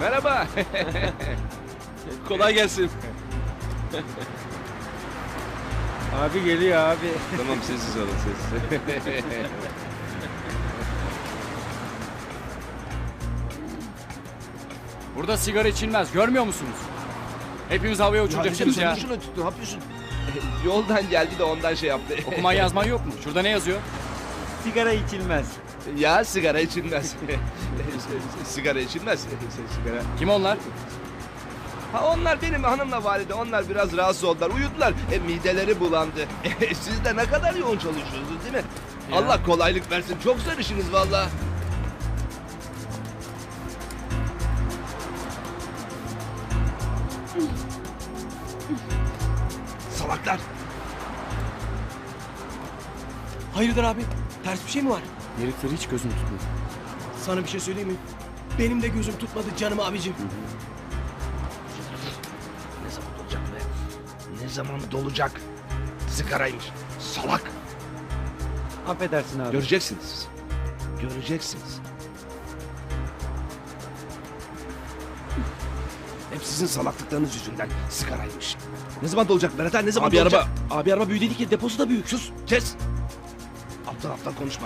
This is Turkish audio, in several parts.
Merhaba. Kolay gelsin. Abi geliyor abi. Tamam sessiz olun sessiz. Burada sigara içilmez. Görmüyor musunuz? Hepimiz havaya uçuracaksınız ya. Şunu tut, ne yapıyorsun? Yoldan geldi de ondan şey yaptı. Okuman yazman yok mu? Şurada ne yazıyor? Sigara içilmez. Ya sigara içilmez. Sigara içilmez. Sigara. Kim onlar? Ha onlar benim hanımla valide. Onlar biraz rahatsız oldular. Uyudular. Mideleri bulandı. Siz de ne kadar yoğun çalışıyorsunuz değil mi? Ya. Allah kolaylık versin. Çok zor işiniz valla. Salaklar. Hayırdır abi? Ters bir şey mi var? Herifleri hiç gözüm tutmuyor. Sana bir şey söyleyeyim mi? Benim de gözüm tutmadı canım abicim. Ne zaman dolacak be? Ne zaman dolacak? Sigaraymış. Salak. Affedersin abi. Göreceksiniz. Göreceksiniz. Hep sizin salaklıklarınız yüzünden sigaraymış. Ne zaman dolacak Berat ha? Ne zaman dolacak? Abi araba büyük değil ki deposu da büyük. Sus, kes. Aptal aptal konuşma.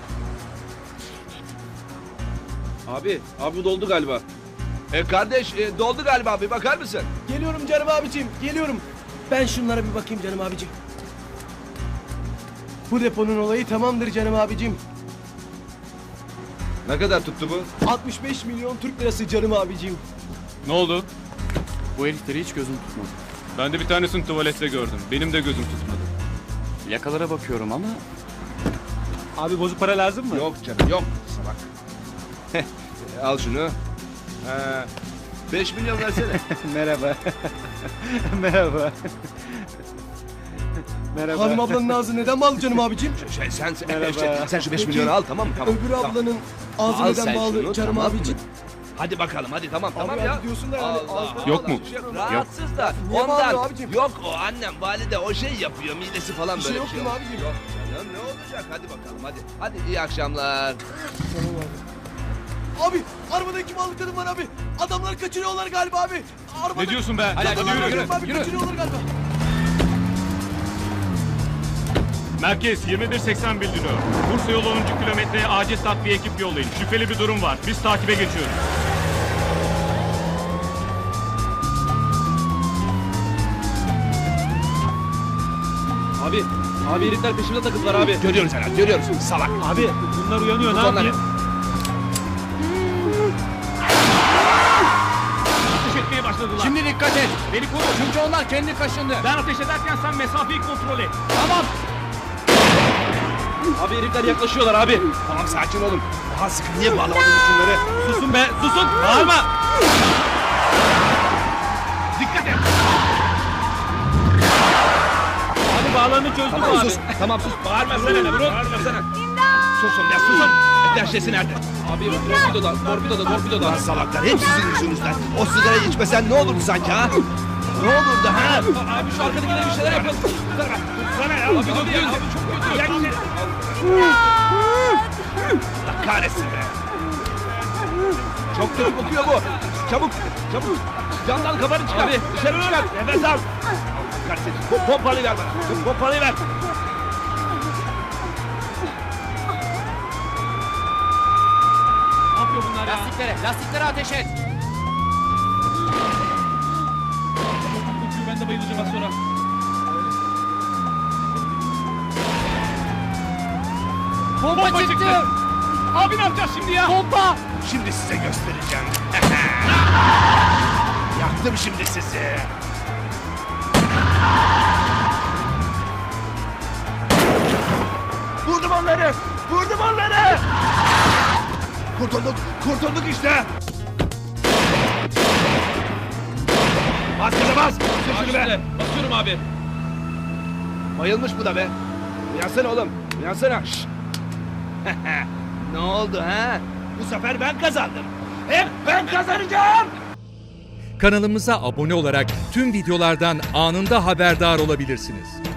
Abi bu doldu galiba. Kardeş doldu galiba, bir bakar mısın? Geliyorum canım abicim geliyorum. Ben şunlara bir bakayım canım abicim. Bu deponun olayı tamamdır canım abicim. Ne kadar tuttu bu? 65 milyon Türk lirası canım abicim. Ne oldu? Bu herifleri hiç gözüm tutmadı. Ben de bir tanesini tuvalette gördüm. Benim de gözüm tutmadı. Yakalara bakıyorum ama Abi bozuk para lazım mı? Yok canım, yok. Salak. Al şunu. 5 milyon versene. Merhaba. Merhaba. Merhaba. Hanım ablanın ağzı neden bağlı canım abicim? Sen şu 5 milyonu al, tamam mı? Tamam. Öbür tamam. ablanın ağzı Al neden sen bağlı şunu, canım tamam mı? abicim? Hadi bakalım, hadi tamam tamam Abi ya. hadi diyorsun da yani. Allah, Yok mu? Rahatsız da Niye ondan. bağırıyor abicim? Yok o annem valide o şey yapıyor, midesi falan Bir böyle şey yok değil mi yok. abicim? Yok canım, ne olacak, hadi bakalım hadi. Hadi iyi akşamlar. Abi arabada iki mallı kadın var abi. Adamlar kaçırıyorlar galiba abi. Arabada... Ne diyorsun be? Hadi Adamlar yürü. kaçırıyor abi, kaçırıyorlar galiba. Merkez 2180 bildiriyor. Bursa yolu 10. kilometreye acil takviye ekip yollayın. Şüpheli bir durum var. Biz takibe geçiyoruz. Abi herifler peşimde takıldılar abi. Görüyoruz herhalde, görüyoruz. Salak. Abi bunlar uyanıyor ne Onları. yapayım? Ateş etmeye başladılar. şimdi dikkat et. Beni koru. Çünkü onlar kendi kaşındı. Ben ateş ederken sen mesafeyi kontrol et. Tamam. Abi herifler yaklaşıyorlar abi. Tamam sakin olun. Daha sıkı niye bağlamadınız şunları? Susun be, susun. Bağırma. Dikkat et. Hadi bağlarını çözdüm Tamam abi. sus. Tamam sus. Bağırmasana ne vurun. Bağırmasana. Susun ya susun. Deşlesi nerede? Abi torpidoda. Lan salaklar hep sizin yüzünüzden. O sigarayı içmesen ne olurdu sanki ha? Ne olurdu ha? Abi şu arkadakiler bir şeyler yapalım. Sana ya. Abi döküyoruz. Abi çok kötü. Allah kahretsin be. Çok kötü kokuyor bu. Çabuk, çabuk. Camdan kafanı çıkar. Abi dışarı çıkar. Nefes al. Allah kahretsin. Pompalıyı ver bana. Pompalıyı ver. Ne yapıyor bunlar ya? Lastiklere ateş et. Ben de bayılacağım az sonra. Bomba çıktı. Abi ne yapacağız şimdi ya? Bomba. Şimdi size göstereceğim. Yaktım şimdi sizi. Vurdum onları! Vurdum onları! Kurtulduk, kurtulduk işte! Bas kızı bas! Sür şunu be! Basıyorum abi. Bayılmış bu da be! Uyansana oğlum, uyansana! Şşt! Ne oldu ha? Bu sefer ben kazandım! Hep ben kazanacağım! Kanalımıza abone olarak tüm videolardan anında haberdar olabilirsiniz.